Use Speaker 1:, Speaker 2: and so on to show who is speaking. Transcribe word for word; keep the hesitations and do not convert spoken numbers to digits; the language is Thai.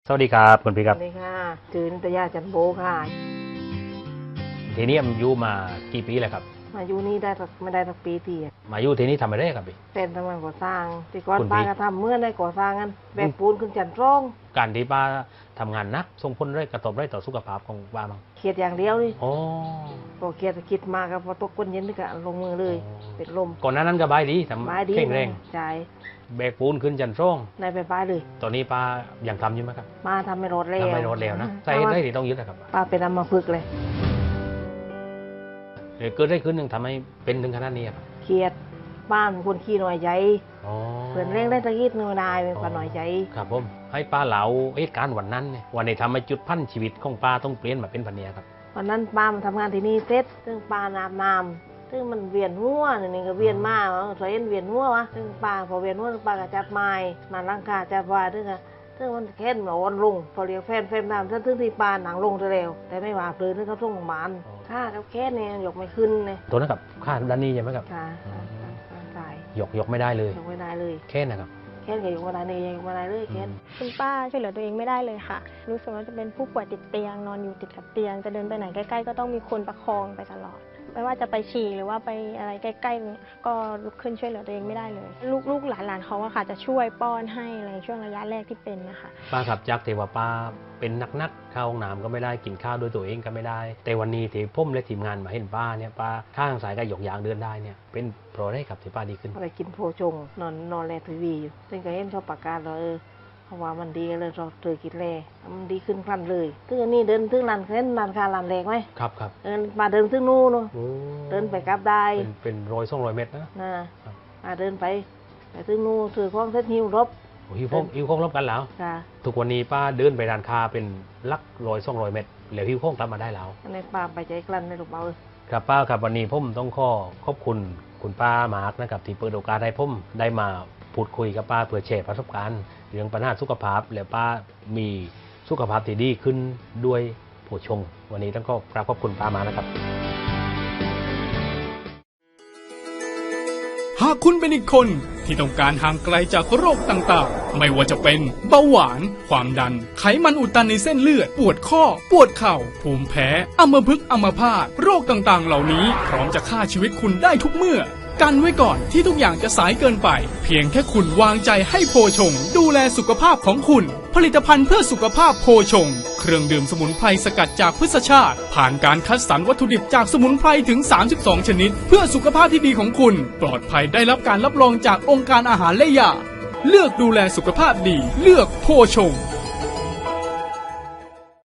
Speaker 1: สวัสดีครับคุณพี่ค
Speaker 2: ส
Speaker 1: รับ
Speaker 2: วัสดีค่ะจือนิตยาจันโบค่ะ
Speaker 1: ทีนี้มาอยู่มากี่ปีแล้วครับ
Speaker 2: มาอยู่นี่ได้สักไม่ได้สักปีทีอะ
Speaker 1: มาอยู่ทีนี้ทำอะไรครับพี่
Speaker 2: เป็นทำงานก่อสร้างที่ก่อน
Speaker 1: คุณพี่
Speaker 2: ป้าก็ทำเมื่อได้ก่อสร้างกันแบกปูนขึ้นจันทร่อง
Speaker 1: การที่ป้าทำงานหนักส่งผลอะไรกระทบอะไรต่อสุขภาพของป้าบ้าง
Speaker 2: เครียดอย่างเดียวนี่
Speaker 1: อ๋อ
Speaker 2: พอเครียดคิดมากก็พอตกก้นเย็นนี่ก็ลงมือเลย
Speaker 1: อ๋อ
Speaker 2: เป็นลม
Speaker 1: ก่อนหน้านั้นก็บายดีทำ
Speaker 2: บายดี
Speaker 1: แข็งแรง
Speaker 2: ใจ
Speaker 1: แบกปูนขึ้นจันทร่อง
Speaker 2: ในไปป้าเลย
Speaker 1: ตอนนี้ป้ายังทำอยู่ไหมครับ
Speaker 2: มาทำไม่รถแล้ว
Speaker 1: ทำไม่ลดแล้วนะใส่ได้ที่ต้องยึดนะครับ
Speaker 2: ป้าเป็นอัมพฤกษ์เลย
Speaker 1: เดี๋ยวเกิดได้ขึ้นหนึ่งทำให้เป็นถึงขนาดนี้ครับ
Speaker 2: เครียดบ้านเป็นคนขี้หน่อยใจ
Speaker 1: อ๋อ
Speaker 2: เพื่อนเร่งได้ตะกี้หน่อยได้เป็นคนหน่อยใจ
Speaker 1: ครับผมให้ป้าเหลาเหตุการณ์วันนั้นเนี่ยวันนี้ทำให้จุดพันชีวิตของป้าต้องเปลี่ยนมาเป็นพันเนียครับ
Speaker 2: วันนั้นป้ามาทำงานที่นี่เสร็จซึ่งป้านาบน้ำซึ่งมันเวียนหัวนี่นี่ก็เวียนมากสวยเอ็นเวียนหัววะซึ่งป้าพอเวียนหัวป้าก็จับไม้มาลังกาจับว่าซึ่งก็ซึ่งมันแค่นมาวันลงพอเรียกแฟนแฟนน้ำซึ่งซึ่งที่ป้าหนังลงเร็วแต่ไม่ว่าเพลินซึ่งเขาส่งโรงพยาบาลค่ากับแค่เนี่ยยกไม่ขึ้นเลย
Speaker 1: ตัวนั้นกับค่าด้านนี้ใช่ไหมครับ
Speaker 2: ค่ะตาย
Speaker 1: ยกยกไม่ได้เลย
Speaker 2: ยกไม่ได้เลย
Speaker 1: แค่นะครับ
Speaker 2: แค่ก็ยกไม่ได้เลยยกไม่ได้เลยแค่
Speaker 3: คุณป้าช่วยเหลือตัวเองไม่ได้เลยค่ะ รู้สึกว่าจะเป็นผู้ป่วยติดเตียงนอนอยู่ติดกับเตียง จะเดินไปไหนใกล้ๆก็ต้องมีคนประคองไปตลอด ไม่ว่าจะไปฉี่หรือว่าไปอะไรใกล้ๆก็ลุกขึ้นช่วยเหลือตัวเองไม่ได้เลย ลูกลูกหลานๆเขาอะค่ะจะช่วยป้อนให้อะไรช่วงระยะแรกที่เป็นนะคะ
Speaker 1: ป้าขับจากเทว่าป้าเป็นนักนักๆเข้าห้องน้ำก็ไม่ได้กินข้าวด้วยตัวเองก็ไม่ได้ แต่วันนี้ที่ผมและทีมงานมาเห็นป้าเนี่ยป้าข้างสายก็หยกยางเดินได้เนี่ยเป็นเพราะอะไรครับที่ป้าดีขึ้น
Speaker 2: อะไรกินโพชงนอนนอนแลทีวีอยู่ซึ่งก็เห็นชอบปากกาเราเออเพราะว่ามันดีเลยเราเจอกินแลมันดีขึ้นพลันเลยซึ่งอันนี้เดินถึงลานเส้นลานคาลานแรงไหม
Speaker 1: ครับครับ
Speaker 2: เดินมาเดินถึงนู่นเนอะ
Speaker 1: โอ้
Speaker 2: เดินไปกลับได้
Speaker 1: เป็นเป็นรอยส่องรอยเม็ดนะ
Speaker 2: นะครับ มาเดินไปไปถึงนู่นถือของเส้นหิวรบ
Speaker 1: โอ้หิวข้องหิวข้องรบกันแล้ว
Speaker 2: ค่ะ
Speaker 1: ทุกวันนี้ป้าเดินไปร้านค้าเป็นลักรอยส่องรอยเม็ดแล้วหิวข้องกลับมาได้แล้ว
Speaker 2: อันนี้ป้าไปใจกลั้นในลูกเบาเลย
Speaker 1: ครับป้าครับวันนี้ผมต้องขอขอบคุณคุณป้ามาร์กนะครับที่เปิดโอกาสให้ผมได้มาพูดคุยกับป้าเพื่อแชร์ประสบการณ์เรื่องปัญหาสุขภาพและป้ามีสุขภาพที่ดีขึ้นด้วยโภชง วันนี้ต้องขอกราบขอบคุณป้ามานะครับ
Speaker 4: หากคุณเป็นอีกคนที่ต้องการห่างไกลจากโรคต่างๆ ไม่ว่าจะเป็นเบาหวาน ความดัน ไขมันอุดตันในเส้นเลือด ปวดข้อ ปวดเข่า ภูมิแพ้ อัมพฤกษ์อัมพาต โรคต่างๆ เหล่านี้พร้อมจะฆ่าชีวิตคุณได้ทุกเมื่อ กันไว้ก่อนที่ทุกอย่างจะสายเกินไป เพียงแค่คุณวางใจให้โพชง ดูแลสุขภาพของคุณ ผลิตภัณฑ์เพื่อสุขภาพโพชง เครื่องดื่มสมุนไพรสกัดจากพืชชาติ ผ่านการคัดสรรวัตถุดิบจากสมุนไพรถึง สามสิบสอง ชนิด เพื่อสุขภาพที่ดีของคุณ ปลอดภัยได้รับการรับรองจากองค์การอาหารและยา เลือกดูแลสุขภาพดี เลือกโพชง